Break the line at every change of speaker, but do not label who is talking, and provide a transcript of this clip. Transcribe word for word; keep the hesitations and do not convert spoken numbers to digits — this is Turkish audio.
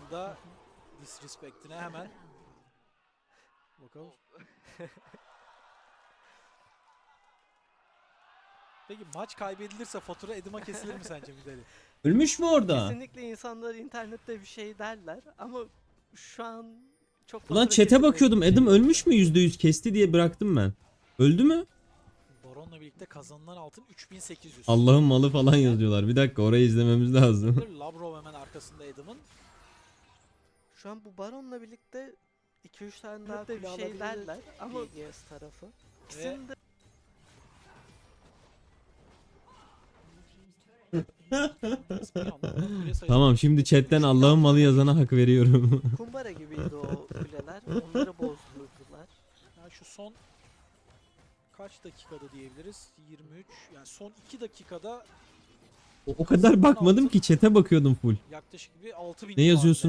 anda disrespect'ine hemen bakalım. Peki maç kaybedilirse fatura Edim'a kesilir mi sence Midali?
Ölmüş mü orada?
Kesinlikle insanlar internette bir şey derler ama şu an çok
Ulan
fatura
chat'e
kesilmedi.
bakıyordum. Adam ölmüş mü? yüzde yüz kesti diye bıraktım ben. Öldü mü?
Baron'la birlikte kazanılan altın üç bin sekiz yüz.
Allah'ın malı falan yazıyorlar. Bir dakika, orayı izlememiz lazım.
Lavrov hemen arkasında Edim'in.
Şu an bu Baron'la birlikte iki üç tane daha
Daha
bir şey derler ama
B G S tarafı.
ikisinin de
Tamam, şimdi chatten Allah'ın malı yazana hak veriyorum.
kumbara gibiydi o kuleler. Onları bozdurdular.
Yani şu son kaç dakikada diyebiliriz? yirmi üç. Yani son iki dakikada
O kadar bakmadım ki, chat'e bakıyordum full.
yaklaşık bir altı bin
Ne yazıyorsun?